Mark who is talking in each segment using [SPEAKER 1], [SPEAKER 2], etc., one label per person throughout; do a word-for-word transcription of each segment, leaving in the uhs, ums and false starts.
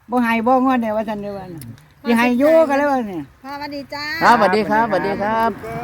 [SPEAKER 1] บ่ให้บ่งอนเนี่ยว่าซั่นเด้อว่าสิให้อยู่กันแล้วว่าเนี่ย
[SPEAKER 2] พ่อสวัสดีจ้า
[SPEAKER 3] ครับสวัสดีครับสวัสดีครับ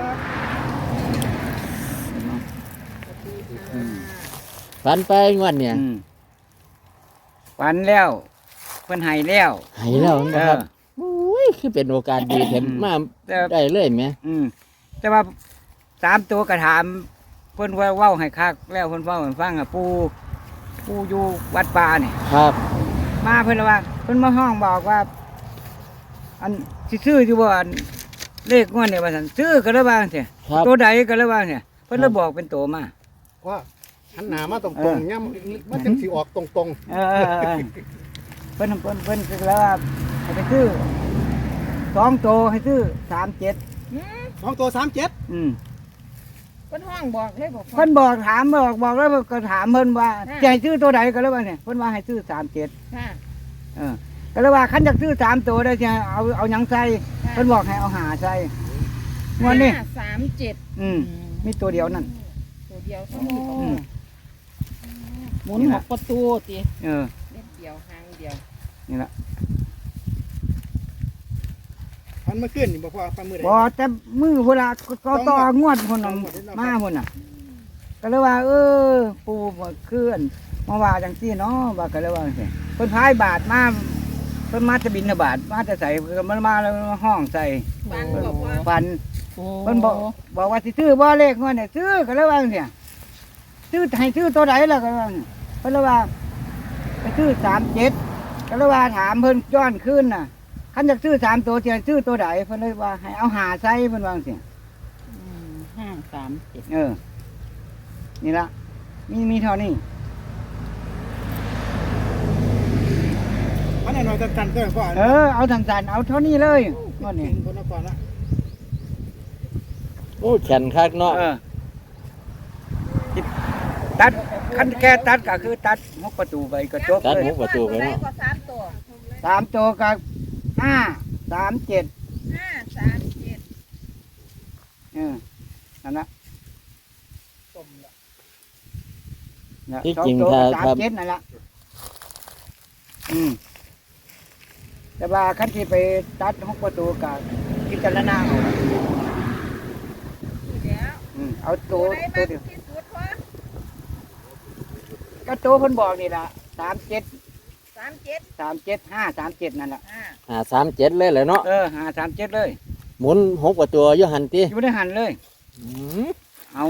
[SPEAKER 3] ฝันไปงวดเนี่ย
[SPEAKER 1] อืมฝันแล้วเพิ่นให้แล้ว
[SPEAKER 3] ใหายแล้ว
[SPEAKER 1] เอ
[SPEAKER 3] นะครับ
[SPEAKER 1] อ
[SPEAKER 3] อุ้ยคือเป็นโอกาสดีเห็นมา
[SPEAKER 1] แต่
[SPEAKER 3] ได้เลยไหม
[SPEAKER 1] อืมแต่ว่าสามตัวก็ถามเพิ่นว่าเว้าให้คักแล้วเพิ่นเว้าให้ฟังอ่ะปู่ปู่อยู่วัดป่านี่
[SPEAKER 3] ครับ
[SPEAKER 1] มาเพิ่นว่าเพิ่นมาห้องบอกว่า อันสิซื้ออยู่บ่อันเลขงวดเนี่ยว่าซั่นซื้อก็เลยว่าจังซี่
[SPEAKER 3] ครับ
[SPEAKER 1] ตัวใดก็เลยว่าจังซี่เพิ่นเลยบอกเป็นตัวมา
[SPEAKER 4] ว่าหันหน้ามาตร
[SPEAKER 1] เอง อ
[SPEAKER 4] ๆย่ำมันจะสิออกตรง
[SPEAKER 1] เออเออเออเพิ่นเพิ่นเพิ่นคือแล้วว่าให้ไปซื้อสองตัวให้ซื้อสามเจ็ด
[SPEAKER 4] ๆสองตัวสามเจ็ด
[SPEAKER 1] อืม
[SPEAKER 2] เพิ่นห้องบอกเลยบอกพ่อ
[SPEAKER 1] เพิ่นบอกถามบอกบอกแล้วก็ถามเพิ่นว่า
[SPEAKER 2] อ่า
[SPEAKER 1] จะให้ซื้อตัวใดก็เลยว่าเนี่ยเพิ่นว่าให้ซื้อสามเจ็ด
[SPEAKER 2] ค่ะ
[SPEAKER 1] เออก็เลยว่าคันอยากซื้อสามตัวได้จะเอาเอาหยังใส่เพิ่นบอกให้เอาหาใส่งวดนี้
[SPEAKER 2] ห้าสามเจ็ด
[SPEAKER 1] อืมมีตัวเดียวนั่น
[SPEAKER 2] ตัวเดียวเท่านี้
[SPEAKER 1] อืม
[SPEAKER 2] หมุนหกประตูตี
[SPEAKER 1] เออ
[SPEAKER 2] เม็ดเดียวหางเดียว
[SPEAKER 1] นี่ละ
[SPEAKER 4] พันเมื่อคืนนี่บอกว่าพันมือใด
[SPEAKER 1] บ่แต่มือเวลาก็ต่องวดพุ่นน่ะมาพุ่นน่ะ ก็เลยว่า เออ ปู่บ่คืนมาว่าจังซี่เนาะว่าก็เลยว่าจังซี่เพิ่นพายบาทมาเพิ่นมาจะบินบาทมาจะใส่เพิ่นมามาแล้วมาห้องใส่
[SPEAKER 2] ฟันบอกว่า
[SPEAKER 1] ฟันเพิ่นบอกบอกว่าสิซื้อบ่เลขงวดเนี่ยซื้อก็เลยว่าจังซี่ซื้อให้ซื้อตัวใดล่ะก็ว่าเพิ่นเลยว่าไปซื้อสามเจ็ดก็เลยว่าถามเพิ่นย้อนคืนน่ะคันอยากซื้อสามตัวสิให้ซื้อตัวใดเพิ่นเลยว่าให้เอาหาใส่เพิ่นว่าจังซี่
[SPEAKER 2] ห้าสามเจ็ด
[SPEAKER 1] เออ นี่ละมีมีเท่านี้
[SPEAKER 4] พันหน่อยๆตันๆก็พอ
[SPEAKER 1] เออ เอาสั้นๆเอาเท่านี้เลยงวดนี้
[SPEAKER 4] คนนครละ
[SPEAKER 3] โอ้แขนคักเนาะ
[SPEAKER 1] เออตัดคันแค่ตัดก็คือตัดหกประตูไปก็จบ
[SPEAKER 3] ตัด
[SPEAKER 1] เลย
[SPEAKER 3] หูประตูไปเนาะ
[SPEAKER 2] ก็สามตัว
[SPEAKER 1] สามตัวกับห้าสามเจ็ด
[SPEAKER 2] ห้าสามเจ็ด
[SPEAKER 1] เออนั่นละ
[SPEAKER 4] ต้มละ
[SPEAKER 1] นะ
[SPEAKER 3] ที่
[SPEAKER 1] สอ
[SPEAKER 3] จริง
[SPEAKER 1] ตัว
[SPEAKER 3] ถ้า
[SPEAKER 1] สาม
[SPEAKER 3] ครับ
[SPEAKER 1] เจ็ดนั่นละอืมแต่ว่าคันที่ไปตัดหกประตูกับพิจารณาเอา
[SPEAKER 2] เดี๋ยว
[SPEAKER 1] อืมเอาตัว
[SPEAKER 2] ไหน
[SPEAKER 1] ตั
[SPEAKER 2] มาว ก
[SPEAKER 1] เดียว
[SPEAKER 2] ที่สุดพ่อ
[SPEAKER 1] ก็ตัวเพิ่นบอกนี่ละสามเจ็ด
[SPEAKER 2] สามเจ็ด
[SPEAKER 1] สามเจ็ดห้าสามเจ็ดนั่นแหละ
[SPEAKER 2] ห้า
[SPEAKER 3] หาสามเจ็ดเลยเหรอเนาะ
[SPEAKER 1] เออหาสามเจ็ดเลย
[SPEAKER 3] หมุนหกประตูอยู่หันตี
[SPEAKER 1] อยู่ในหันเลย
[SPEAKER 3] อืม
[SPEAKER 1] เอา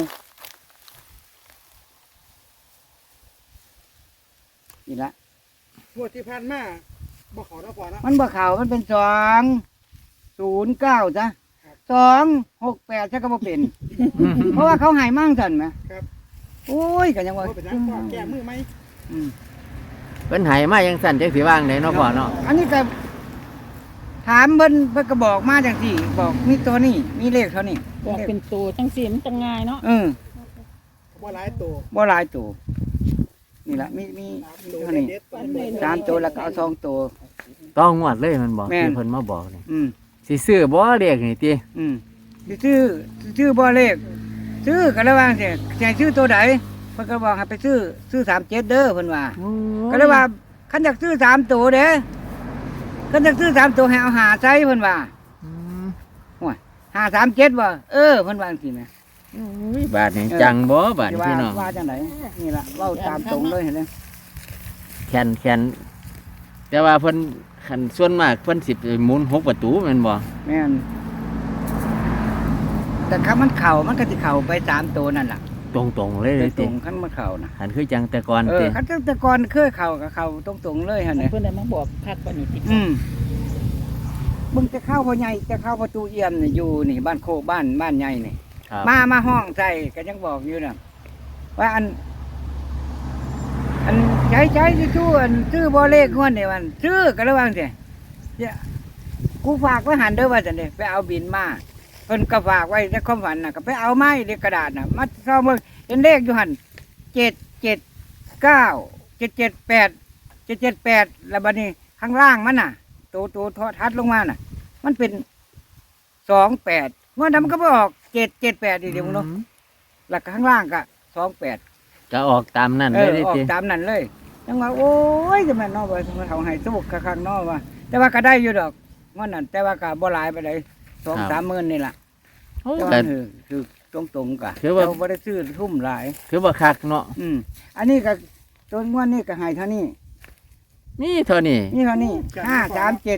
[SPEAKER 1] นี่ละ
[SPEAKER 4] งวดที่ผ่านมาบ่ขอนะพอนะ
[SPEAKER 1] มันบ่เข่ามันเป็นสองศูนย์เก้าจ้ะสองหกแปดใช่ก็บ่เป็น เพราะว่าเขาใหายมั่งสันไหม
[SPEAKER 4] ครับ
[SPEAKER 1] โอ้ยก็ยังว่า
[SPEAKER 4] ว่าเป็นนักพ่อแก้มือไหม
[SPEAKER 1] อืม
[SPEAKER 3] เป็นใหายมายังสั่นจังสีว่างไหนเนาะพ่อเนาะ
[SPEAKER 1] อันนี้ก็ถามเพิ่นเพิ่นก็บอกมาจังสี่ บอกมีตัวนี้มีเลขเท่านี้
[SPEAKER 2] บอกเป็นตัวจังสีมันจะง่ายเนาะ
[SPEAKER 1] เออ
[SPEAKER 4] ว่าหลายตัว
[SPEAKER 1] บ่หลายตัวนี่ละมีมีมีเท่านี้
[SPEAKER 4] เด็ดๆ
[SPEAKER 1] สามตัวแล้วก็เอาสองตัว
[SPEAKER 3] ต้องงวดเลยมันบอก
[SPEAKER 1] แม่น
[SPEAKER 3] ที่เพิ่นมาบอกนี่
[SPEAKER 1] อืม
[SPEAKER 3] สิซื้อบ่เรียกนี่ติ
[SPEAKER 1] อืมสิซื้อสิซื้อบ่เลขซื้อก็เลยว่าสิจะให้ซื้อตัวใดเพิ่นก็บอกให้ไปซื้อซื้อสามเจ็ดเด้อเพิ่นว่า ก็เลยว่าคันอยากซื้อสามตัวเด้คันอยากซื้อสามตัวให้เอาหาใส่เพิ่นว่า
[SPEAKER 3] อืม
[SPEAKER 1] หาสามเจ็ดว่าเออเพิ่นว่าจังซี่แหม
[SPEAKER 3] อุ้ยบาทนี่จังบ่บาท
[SPEAKER 1] สิ
[SPEAKER 3] นี่
[SPEAKER 1] ว่า
[SPEAKER 3] พี่น้อง
[SPEAKER 1] ว่าจังไดนี่ล่ะเว้าตามตรงเลยเห็นไหม
[SPEAKER 3] แขนแขนแต่ว่าเพิ่นคันส่วนมากเพิ่นสิไปหมุนหกประตูแม่นบ่
[SPEAKER 1] แม่นแต่คันมันเข้ามันก็สิเข้าไปสามตัวนั่นล่ะ
[SPEAKER 3] ตรงๆเลยเลย
[SPEAKER 1] ตร
[SPEAKER 3] ติ
[SPEAKER 1] งๆคันมันเข้านะ
[SPEAKER 3] หันคือจังแต่ก่อน
[SPEAKER 1] เอ
[SPEAKER 3] ติ
[SPEAKER 1] อคันแต่ก่อนเคยเข้าก็เข้าตรงๆเลยหั่นน่ะ
[SPEAKER 2] เพื่อนได้มาบอกคักกว่านี้ติ
[SPEAKER 1] อืมมึงจะเข้าพ่อใหญ่จะเข้าประตูเอี่ยมนี่อยู่นี่บ้านโคกบ้านบ้านใหญ่นี่
[SPEAKER 3] ครับ
[SPEAKER 1] มามาห้องใส่ก็ยังบอกอยู่นะว่าอัน อันใช้ใช้ที่ชื่ออันซื้อบอเลขงวดเนี่ยมันซื้อก็ระวังสิเนี่ยกูฝากไว้หันเด้อว่าจันเด้ไปเอาบินมาเพิ่นก็ฝากไว้ในความฝันน่ะก็ไปเอาไม้ในกระดาษน่ะมาซ่อมเบิ่งเห็นเลขอยู่หันเจ็ดเจ็ดเก้าเจ็ดเจ็ดแปดเจ็ดเจ็ดแปดแล้วบัดนี้ข้างล่างมันน่ะตัวตัวทอทัดลงมาน่ะ มันเป็นสองแปดงวดนั้นมันก็ไปออกเจ็ดเจ็ดแปดดีเดียวมึงเนาะ
[SPEAKER 3] อืม
[SPEAKER 1] แล้วก็ข้างล่างก็สองแปด
[SPEAKER 3] ก็ออกตามนั่น
[SPEAKER 1] เอ
[SPEAKER 3] เลย
[SPEAKER 1] อ
[SPEAKER 3] เด้
[SPEAKER 1] ออก
[SPEAKER 3] ติ
[SPEAKER 1] ตามนั้นเลยยังว่าโอ้ยจะแม่นเนอกว่ามันเขาให้สู้คักๆเนอกว่า แต่ว่าก็ได้อยู่ดอกว่านั่นแต่ว่าก็บ่หลายไปเลยสองสามหมื่นนี่ล่ะ
[SPEAKER 3] โอ้
[SPEAKER 1] แต่
[SPEAKER 3] ก็
[SPEAKER 1] ว่าคือคือตรงๆกะ
[SPEAKER 3] คือว่า
[SPEAKER 1] เจ้บ่ได้ซื้อทุ่มหลาย
[SPEAKER 3] คือว่าคักเนาะ
[SPEAKER 1] อืมอันนี้ก็ตัวงวดนี้ก็ให้เท่านี้
[SPEAKER 3] มีเท่านี้
[SPEAKER 1] นี่เท่านี้ห้าสามเจ็ด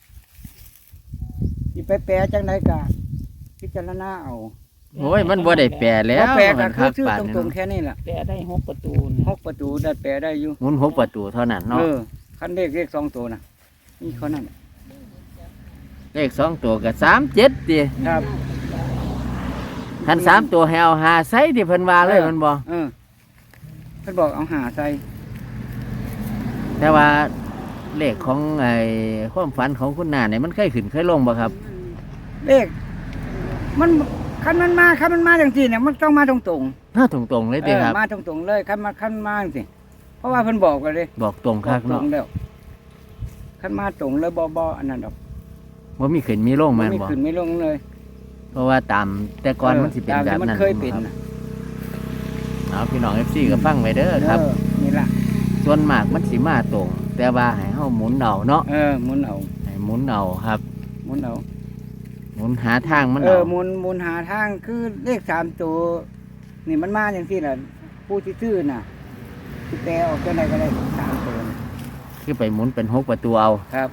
[SPEAKER 1] สิไปแปลจังไดก็พิจารณาเอา
[SPEAKER 3] โอ้ยมันบ่ได้แปลแล้ว
[SPEAKER 1] บ่แปลก็
[SPEAKER 3] มัน
[SPEAKER 1] คือชื่อ
[SPEAKER 3] ปาน
[SPEAKER 1] ต
[SPEAKER 3] นี้
[SPEAKER 1] รงๆ
[SPEAKER 3] เนาะ
[SPEAKER 1] แค่นี้ล่ะ
[SPEAKER 2] แปะได้หกประตูนี่
[SPEAKER 1] หกประตูได้แปลได้อยู่
[SPEAKER 3] หมุนหกประตูเท่านั้นเนาะ
[SPEAKER 1] เออคันเลขเลขสองตัวน่ะนี่เขานั่น
[SPEAKER 3] เลขสองตัวก็สามเจ็ดติ
[SPEAKER 1] ครับ
[SPEAKER 3] คันสามตัวให้เอาหาใส่ที่เพิ่นว่าเลยมันบ่
[SPEAKER 1] เออเพิ่นบอกเอาหาใส่
[SPEAKER 3] แต่ว่าเลขของไอ้ความฝันของคุณนาเนี่ยมันเคยขึ้นเคยลงบ่ครับ
[SPEAKER 1] เลขมันคันมันมาคันมันมาจังซี่เนี่ยมันต้องมาตรงๆ
[SPEAKER 3] หน้าตรงๆเลย
[SPEAKER 1] เอ
[SPEAKER 3] ติ
[SPEAKER 1] อ
[SPEAKER 3] ครับ
[SPEAKER 1] มาตรงๆเลยคันมาคันมาสิเพราะว่าเพิ่นบอกกันเลย
[SPEAKER 3] บอกตรงคัก
[SPEAKER 1] ตร
[SPEAKER 3] เนาะ
[SPEAKER 1] งแล้วคันมาตรงเลยบ่บ่อันนั้นดอก
[SPEAKER 3] ว่ามีขึ้นมีลงแม่น
[SPEAKER 1] ไม่
[SPEAKER 3] บ่
[SPEAKER 1] ขึ้นไม่ลงเลย
[SPEAKER 3] เพราะว่าตามแต่ก่อนมันสิเป็น
[SPEAKER 1] ตาม
[SPEAKER 3] แบบ
[SPEAKER 1] ที่มัน
[SPEAKER 3] นั้น
[SPEAKER 1] เคยเป็น
[SPEAKER 3] ครับ
[SPEAKER 1] น่ะ
[SPEAKER 3] เอาพี่น้อง เอฟ ซี ก็ฟังไว้เด้อครับ
[SPEAKER 1] เออนี่ล่ะ
[SPEAKER 3] ส่วนมากมันสิมาตรง แต่ว่าให้เฮาหมุนเอาเนาะ
[SPEAKER 1] เออหมุนเอา
[SPEAKER 3] ให้หมุนเอาครับ
[SPEAKER 1] หมุนเอา
[SPEAKER 3] หมุนหาทางมัน
[SPEAKER 1] เอ
[SPEAKER 3] เอา
[SPEAKER 1] อหมุนหมุนหาทางคือเลขสามตัวนี่มันมาอย่างที่ล่ะผู้ที่ซื้อน่ะที่แปลออกจังไดก็ได้สามตัวน่ะ
[SPEAKER 3] คือไปหมุนเป็นหกประตูเอา
[SPEAKER 1] ครับ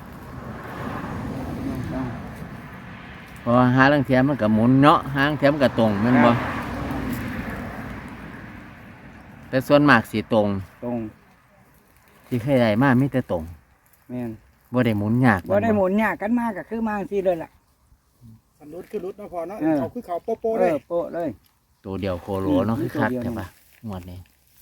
[SPEAKER 3] เพราะว่าหาลังเทียมมันก็หมุนเนาะหาลังเทียมมันก็ตรงแม่นบ่แต่ส่วนมากสิตรง
[SPEAKER 1] ตรง
[SPEAKER 3] ที่เคยได้มามีแต่ตรง
[SPEAKER 1] แม่น
[SPEAKER 3] บ่ได้หมุนยาก
[SPEAKER 1] บ่ได้หมุนยากกันมากก็คือมาจังซี่เลยล่ะ
[SPEAKER 4] สันรุดคือรุดเนาะพอเนาะ
[SPEAKER 1] เออ
[SPEAKER 4] เขาคือเขาโปโป
[SPEAKER 1] เอ
[SPEAKER 4] เลย
[SPEAKER 1] อโปะเลย
[SPEAKER 3] ตัวเดียวโคโลเนาะ
[SPEAKER 1] อืม
[SPEAKER 3] คือคัก
[SPEAKER 1] ตัวเดียว
[SPEAKER 3] ใช่ปะงวดนี้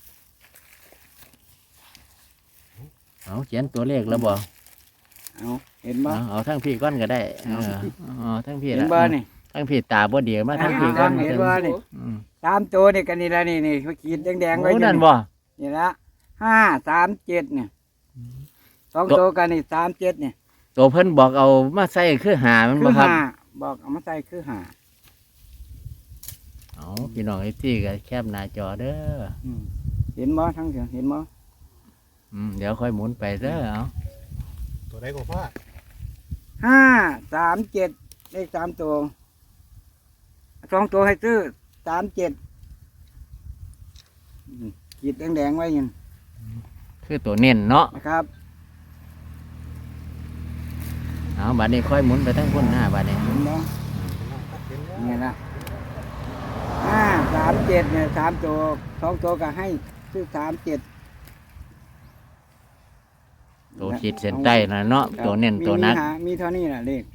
[SPEAKER 3] เอาเขียนตัวเลขแล้วบ่
[SPEAKER 1] เอาเห็นบ่
[SPEAKER 3] เอาเอาทั้งพี่ก้อนก็ได้เอ
[SPEAKER 1] เอา
[SPEAKER 3] อเอาทั้งพี่
[SPEAKER 1] เห็น
[SPEAKER 3] ละ
[SPEAKER 1] บ่นี่
[SPEAKER 3] ทั้งพี่ตาบ่เดียวมาทั้งพี่
[SPEAKER 1] เห็น
[SPEAKER 3] ก้อน
[SPEAKER 1] เห็นบ่นี่
[SPEAKER 3] อืม
[SPEAKER 1] สามตัวนี่กันนี่ละนี่นี่เขาขีดแดงๆไว้
[SPEAKER 3] โอ้
[SPEAKER 1] อยู่
[SPEAKER 3] นั่น
[SPEAKER 1] นี่
[SPEAKER 3] บ่
[SPEAKER 1] นี่ละห้าสามเจ็ดเนี่ยสองตัวกันนี่สามเจ็ดเนี่ย
[SPEAKER 3] ตัวเพิ่นบอกเอามาใส่คือหามัน
[SPEAKER 1] คื
[SPEAKER 3] บ่
[SPEAKER 1] อ
[SPEAKER 3] ครับ
[SPEAKER 1] ห้าบอกเอามาใส่คือห้า
[SPEAKER 3] เอาพี่น้องไอ้ที่ก็แคบหน้าจอเด้อ
[SPEAKER 1] อืมเห็นบ่ทั้งเสียงเห็นบ่
[SPEAKER 3] อืมเดี๋ยวค่อยหมุนไปเด้อเอา
[SPEAKER 4] ตัวใดก็พ่อ
[SPEAKER 1] ห้าสามเจ็ดเลขสามตัวสองตัวให้ซื้อสามเจ็ดอืมขีดแดงๆไว้อยัง
[SPEAKER 3] คือตัวเน้นเนาะ
[SPEAKER 1] นะครับ
[SPEAKER 3] เอาบัดนี้ค่อยหมุนไปทั้งคนหน้าบัดนี้
[SPEAKER 1] เห็นบ่
[SPEAKER 4] เห็นแล้ว
[SPEAKER 1] นี่ละห้าสามเจ็ดเนี่ยสามตัวสองตัวก็ให้ซื้อสามเจ็ด
[SPEAKER 3] ตัวขีดเส้นใต้น่ะเนาะตัวเน้นตัวนัก
[SPEAKER 1] มีหามีเท่านี้แหละเลข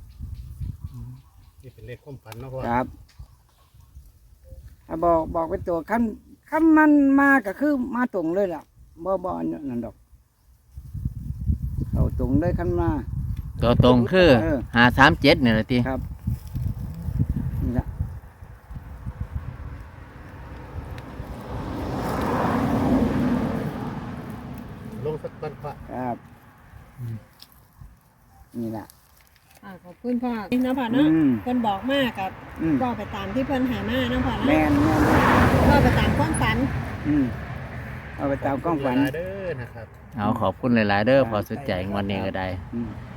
[SPEAKER 4] นี่เป็นเลขความฝันเนาะพ่อ
[SPEAKER 1] ครับถ้าบอกบอกเป็นตัวขั้นขั้นมันมาก็คือมาตรงเลยล่ะบ่บ่อันนั่นดอกเอาตรงเลยขั้นมา
[SPEAKER 3] ตัวตรงคือ
[SPEAKER 1] เออ
[SPEAKER 3] หาสามเจ็ดนี่แหละติ
[SPEAKER 1] ครับนี่ละ
[SPEAKER 4] ลงสักก้อนพ่อ
[SPEAKER 1] ครับนี่ละ
[SPEAKER 5] อ่าขอบคุณพ่อนี่นะพ่อ
[SPEAKER 1] อื
[SPEAKER 5] เนาะ
[SPEAKER 1] ม
[SPEAKER 5] เพิ่นบอกมากกับ
[SPEAKER 1] อืม
[SPEAKER 5] ก็ไปตามที่เพิ่นหามาเนาะพ่อ
[SPEAKER 1] แม่
[SPEAKER 5] เนาะ
[SPEAKER 1] นแม่น
[SPEAKER 5] ก็ไปตามความฝัน
[SPEAKER 1] อืมเอาไปตามกล้องฝัน
[SPEAKER 4] เด้อนะครับ
[SPEAKER 3] เอาขอบคุณหลายๆเด้อพอสุดใจงวันนี้ก็ได้
[SPEAKER 1] อืม